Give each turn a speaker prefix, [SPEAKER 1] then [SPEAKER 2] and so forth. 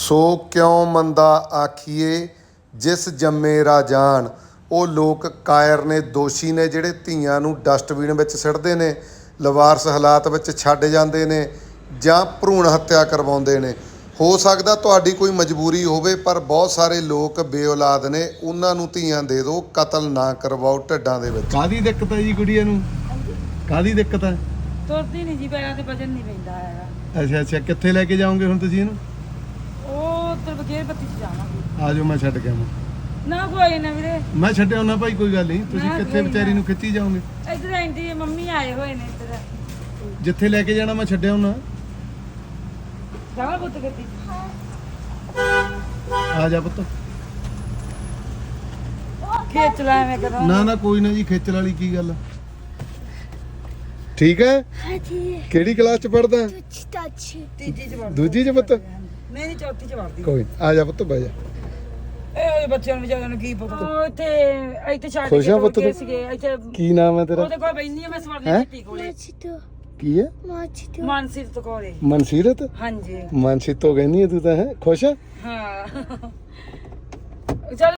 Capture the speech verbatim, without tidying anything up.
[SPEAKER 1] ਸੋ ਕਿਉਂ ਮੰਦਾ ਆਖੀਏ ਜਿਸ ਜੰਮੇ ਰਾਜਾਨ। ਉਹ ਲੋਕ ਕਾਇਰ ਨੇ, ਦੋਸ਼ੀ ਨੇ, ਜਿਹੜੇ ਧੀਆਂ ਨੂੰ ਡਸਟਬਿਨ ਵਿੱਚ ਸਿੱਟਦੇ ਨੇ, ਲਵਾਰਸ ਹਾਲਾਤ ਵਿੱਚ ਛੱਡ ਜਾਂਦੇ ਨੇ ਜਾਂ ਭਰੂਣ ਹੱਤਿਆ ਕਰਵਾਉਂਦੇ ਨੇ। ਹੋ ਸਕਦਾ ਤੁਹਾਡੀ ਕੋਈ ਮਜਬੂਰੀ ਹੋਵੇ, ਪਰ ਬਹੁਤ ਸਾਰੇ ਲੋਕ ਬੇਔਲਾਦ ਨੇ, ਉਹਨਾਂ ਨੂੰ ਧੀਆਂ ਦੇ ਦਿਓ, ਕਤਲ ਨਾ ਕਰਵਾਓ ਢਿੱਡਾਂ ਦੇ ਵਿੱਚ।
[SPEAKER 2] ਕਾਹਦੀ ਦਿੱਕਤ ਹੈ ਜੀ ਗੁੜੀਆ ਨੂੰ? ਕਾਹਦੀ ਦਿੱਕਤ ਹੈ?
[SPEAKER 3] ਤੁਰਦੀ ਨਹੀਂ ਜੀ, ਪੈਰਾਂ ਤੇ ਵਜਨ ਨਹੀਂ ਪੈਂਦਾ ਹੈਗਾ।
[SPEAKER 2] ਅੱਛਾ ਅੱਛਾ, ਕਿੱਥੇ ਲੈ ਕੇ ਜਾਓਗੇ ਹੁਣ ਤੁਸੀਂ ਇਹਨੂੰ?
[SPEAKER 3] ਉਹ ਤੇ ਬਗੇਰ ਬੱਤੀ ਚ ਜਾਵਾਂਗੇ।
[SPEAKER 2] ਆ ਜਾਓ, ਮੈਂ ਛੱਡ ਕੇ ਆਵਾਂ।
[SPEAKER 3] ਨਾ ਕੋਈ ਨਾ ਵੀਰੇ,
[SPEAKER 2] ਮੈਂ ਛੱਡਿਆ ਨਾ ਭਾਈ, ਕੋਈ ਗੱਲ ਨਹੀਂ। ਤੁਸੀਂ
[SPEAKER 3] ਨਾ,
[SPEAKER 2] ਕਿੱਥੇ
[SPEAKER 3] ਕੋਈ
[SPEAKER 2] ਵਿਚਾਰੀ
[SPEAKER 3] ਨਾ।
[SPEAKER 2] ਨੂੰ ਖਿੱਚੀ ਜਾਓਗੇ?
[SPEAKER 3] ਇੱਧਰ ਆਂਟੀ ਮੰਮੀ ਆਏ ਹੋਏ ਨੇ ਇੱਧਰ।
[SPEAKER 2] ਜਿੱਥੇ ਲੈ ਕੇ ਜਾਣਾ ਮੈਂ ਛੱਡਿਆ ਹੁਣਾ।
[SPEAKER 3] ਜਾਵਾ ਪੁੱਤ ਗੱਡੀ
[SPEAKER 2] ਆ ਜਾ ਪੁੱਤ।
[SPEAKER 3] ਖੇਚ ਲੈ ਮੈਂ ਕਰਾਂ।
[SPEAKER 2] ਨਾ ਨਾ ਕੋਈ ਨਾ ਜੀ, ਖੇਚਲ ਵਾਲੀ ਕੀ ਗੱਲ ਆ। ਠੀਕ ਹੈ।
[SPEAKER 4] ਹਾਂਜੀ
[SPEAKER 2] ਕਿਹੜੀ ਕਲਾਸ ਚ ਪੜਦਾ?
[SPEAKER 4] ਤੁੱਛ ਤੱਛ
[SPEAKER 3] ਤੀਜੀ ਚ ਵੜਦੀ।
[SPEAKER 2] ਦੂਜੀ ਚ ਪੁੱਤ?
[SPEAKER 3] ਨਹੀਂ ਨਹੀਂ, ਚੌਥੀ ਚ ਵੜਦੀ।
[SPEAKER 2] ਕੋਈ ਆ ਜਾ ਪੁੱਤ, ਬਹਿ ਜਾ।
[SPEAKER 3] ਇਹ ਉਹਦੇ ਬੱਚਿਆਂ ਨੂੰ ਵਿਚਾਰਿਆਂ ਨੂੰ ਕੀ ਪਤਾ। ਉਹ ਇੱਥੇ ਇੱਥੇ ਛੱਡ
[SPEAKER 2] ਖੁਸ਼
[SPEAKER 3] ਕੇ
[SPEAKER 2] ਆ
[SPEAKER 3] ਤੁਰ
[SPEAKER 2] ਪੁੱਤ
[SPEAKER 3] ਗਏ
[SPEAKER 2] ਤੂੰ?
[SPEAKER 3] ਸੀਗੇ ਇੱਥੇ।
[SPEAKER 2] ਕੀ ਨਾਮ ਹੈ ਤੇਰਾ?
[SPEAKER 3] ਉਹਦੇ ਕੋਲ ਬੈਠੀ ਆ ਮੈਂ ਸਵਰਨੀ
[SPEAKER 2] ਹੈਂ?
[SPEAKER 3] ਦਿੱਤੀ ਕੋਲੇ।
[SPEAKER 4] ਮਾਚੀ ਤੋਂ
[SPEAKER 2] ਕੀ ਹੈ?
[SPEAKER 4] ਮਾਚੀ ਤੋਂ
[SPEAKER 3] ਮਾਨਸਿਕ ਕੋਲੇ।
[SPEAKER 2] ਮਨਸੀਰਤ?
[SPEAKER 3] ਹਾਂਜੀ
[SPEAKER 2] ਮਨਸੀਰਤ ਤੋਂ ਕਹਿੰਦੀ ਹੈ ਤੂੰ ਤਾਂ, ਹੈ ਖੁਸ਼ ਹੈ?
[SPEAKER 3] ਹਾਂ। ਚੱਲ